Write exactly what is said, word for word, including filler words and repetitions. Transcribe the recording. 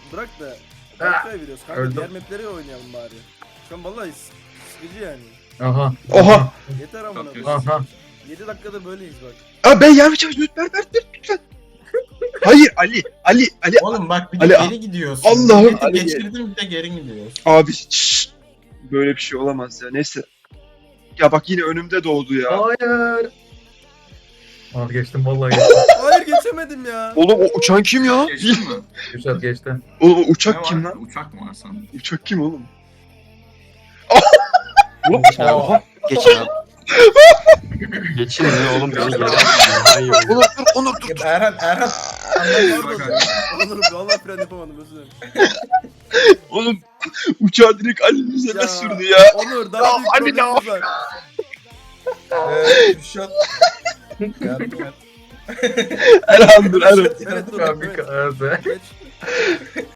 bırak da Berkay'a veriyoruz kanka. öldüm. Diğer mapleri oynayalım bari. Şu an vallahi s- sıkıcı yani. Aha. Oha. Yeter amına Çok koyayım. Aha. yedi dakikadır böyleyiz bak. Aa ben yavaş yavaş lütfen ver ver lütfen. Hayır Ali Ali Ali Oğlum bak bir de Ali- geri gidiyorsun. Allah'ım, Milleti Ali- geçirdim bir de geri gidiyorsun. abi şşş. Böyle bir şey olamaz ya neyse. Ya bak yine önümde doğdu ya. Hayır. Aa geçtim vallahi geçtim. Hayır geçemedim ya. Oğlum o uçan kim ya? Geçtin mi? Güzel geçti. Oğlum o Ne uçak var? kim lan? Uçak mı var sandım? Uçak kim oğlum? Oha. Geç abi. Geçin ya oğlum beni yere atmayın. Hayır. Onur dur Onur dur. Erhan Erhan. Pardon. Onur vallahi fren yapamadım özür dilerim. Oğlum uçağı direkt Ali'nin üzerine Ya. sürdü ya. Onur daha büyük Ali ne problemimiz var. Eee Kürşat. Yardım et. Erhan dur Erhan. Evet dur. Ya bir Evet. kahve. Geç.